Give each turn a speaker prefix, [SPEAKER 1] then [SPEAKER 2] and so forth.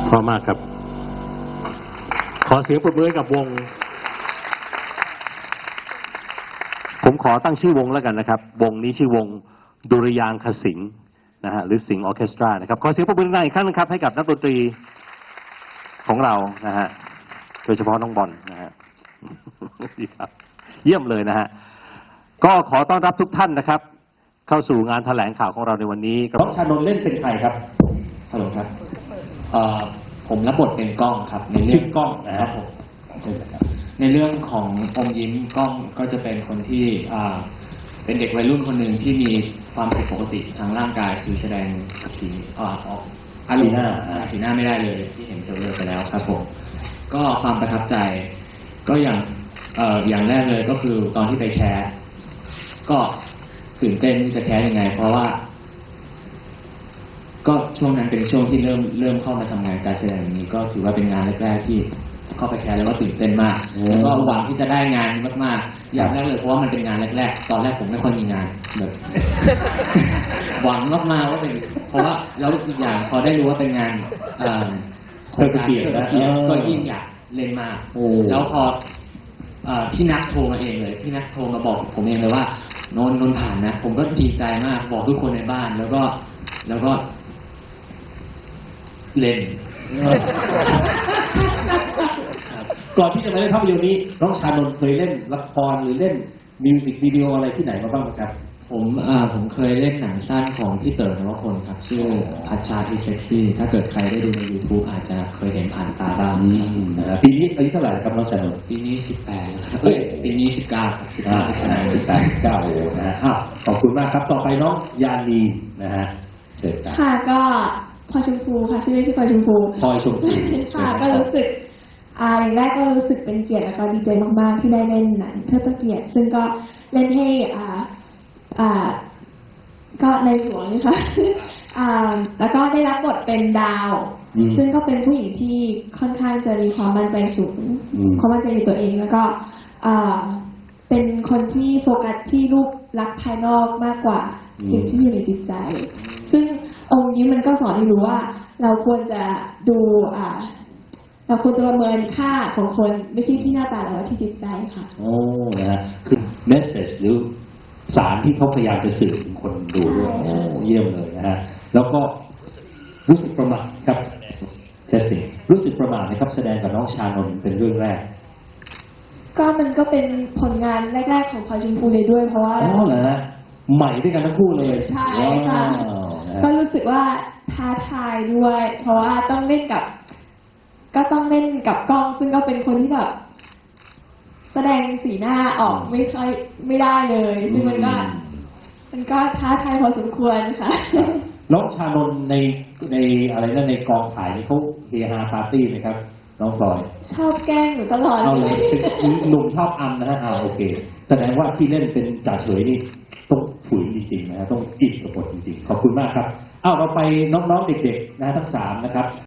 [SPEAKER 1] พร้อมมากครับขอเสียงปรบมือกับวงผมขอตั้งชื่อวงแล้วกันนะครับวงนี้ชื่อวงดุริยางคศิลป์นะฮะหรือสิงห์ออร์เคสตรานะครับขอเสียงปรบมืออีกครั้งนึงครับให้กับนักดนตรีของเรานะฮะโดยเฉพาะน้องบอลนะฮะดีครับเยี่ยมเลยนะฮะก็ขอต้อนรับทุกท่านนะครับเข้าสู่งานแถลงข่าวของเราในวันนี้น้องชานนท์เล่นเป็นใครครับฮัลโหลครับ
[SPEAKER 2] ผมรับบทเป็นกล้องครับในเรื่อง
[SPEAKER 1] กล้องนะครับผม
[SPEAKER 2] ในเรื่องของอมยิ้มกล้องก็จะเป็นคนที่เป็นเด็กวัยรุ่นคนหนึ่งที่มีความผิดปกติทางร่างกายคือแสดงสีออกอารมณ์สีหน้าไม่ได้เลยที่เห็นตัวเลือกไปแล้วครับผมก็ความประทับใจก็อย่างแรกเลยก็คือตอนที่ไปแคสก็ตื่นเต้นจะแคสยังไงเพราะว่าก็ช่วงนั้นเป็นช่วงที่เริ่มเข้ามาทำงานการแสดงนี้ก็ถือว่าเป็นงานแรกๆที่เข้าไปแคสแล้วก็ตื่นเต้นมากแล้วก็หวังที่จะได้งานมากๆอย่างแรกเลยเพราะว่ามันเป็นงานแรกๆตอนแรกผมไม่ค่อยมีงานแบบหวังมากๆว่าเป็นเพราะว่าแล้วอีกอย่างพอได้รู้ว่าเป็นงาน
[SPEAKER 1] โครงการเกียรติ
[SPEAKER 2] ก็ยิ่งอยากเล่นมากแล้วพอพี่นัทโทรมาเองเลยพี่นัทโทรมาบอกผมเองเลยว่านนผ่านนะผมก็ดีใจมากบอกทุกคนในบ้านแล้วก็เล่น
[SPEAKER 1] ก่อนที่จะมาเล่นภาพยนตร์นี้น้องชานนท์เคยเล่นละครหรือเล่นมิวสิกวิดีโออะไรที่ไหนมาบ้างครับ
[SPEAKER 2] ผมเคยเล่นหนังสั้นของพี่เต๋อนวพลครับชื่อพัชชาที่เซ็กซี่ถ้าเกิดใครได้ดูใน YouTube อาจจะเคยเห็นผ่านตาบ้าง
[SPEAKER 1] ปีนี้อายุเท่าไหร่ครับน้องชานนท์
[SPEAKER 2] ปีนี้18ครับปีนี้19ครับ
[SPEAKER 1] 19โอ้นะขอบคุณมากครับต่อไปน้องยานีนะฮะเชิญครับ
[SPEAKER 3] ค่ะก็พลอยชมพูค่ะชื่อเล่นชื่อพลอยชมพู
[SPEAKER 1] พลอยชมพู
[SPEAKER 3] ค่ะก็รู้สึกอย่างแรกก็รู้สึกเป็นเกียรติแล้วก็ดีใจมากๆที่ได้เล่นหนังเทิดพระเกียรติซึ่งก็เล่นให้ก็ในหลวงนี่ค่ะแล้วก็ได้รับบทเป็นดาวซึ่งก็เป็นผู้หญิงที่ค่อนข้างจะมีความมั่นใจสูงความมั่นใจในตัวเองแล้วก็เป็นคนที่โฟกัสที่รูปลักษณ์ภายนอกมากกว่าสิ่งที่อยู่ในจิตใจซึ่งองค์นี้มันก็สอนให้รู้ว่าเราควรจะดูเราควรจะประเมินค่าของคนไม่ใช่ที่หน้าตาแต่ว่าที่จิตใจค่ะ
[SPEAKER 1] โอ้นะฮะคือเมสเซจหรือสารที่เขาพยายามจะสื่อถึงคนดูด้วยโอ้เยี่ยมเลยนะฮะแล้วก็รู้สึกประหม่าครับเจสซี่รู้สึกประหม่านะครับแสดงกับน้องชานนท์เป็นเรื่องแรก
[SPEAKER 3] ก็มันก็เป็นผลงานแรกๆของพลอยชมพูเลยด้วยเพราะว่า
[SPEAKER 1] เหรอฮะใหม่ด้วยกันทั้งคู่เลย
[SPEAKER 3] ใช่ค่ะก็รู้สึกว่าท้าทายด้วยเพราะว่าต้องเล่นกับกล้องซึ่งก็เป็นคนที่แบบแสดงสีหน้าออกไม่ได้เลยซึ่งมันก็ท้าทายพอสมควรค่ะ
[SPEAKER 1] น้องชานนท์ในอะไรนั่นในกองถ่ายนี่เขาเฮฮาปาร์ตี้ไหมครับน้องพลอย
[SPEAKER 3] ชอบแกล้งหนูตลอด
[SPEAKER 1] เลยหนุ่มชอบอัมนะฮะโอเคแสดงว่าที่เล่นเป็นจ่าเฉยนี่ต้องฝืนจริงๆนะฮะต้องอินกับบทจริงๆขอบคุณมากครับเราไปน้องๆเด็กๆนะทั้ง3นะครับ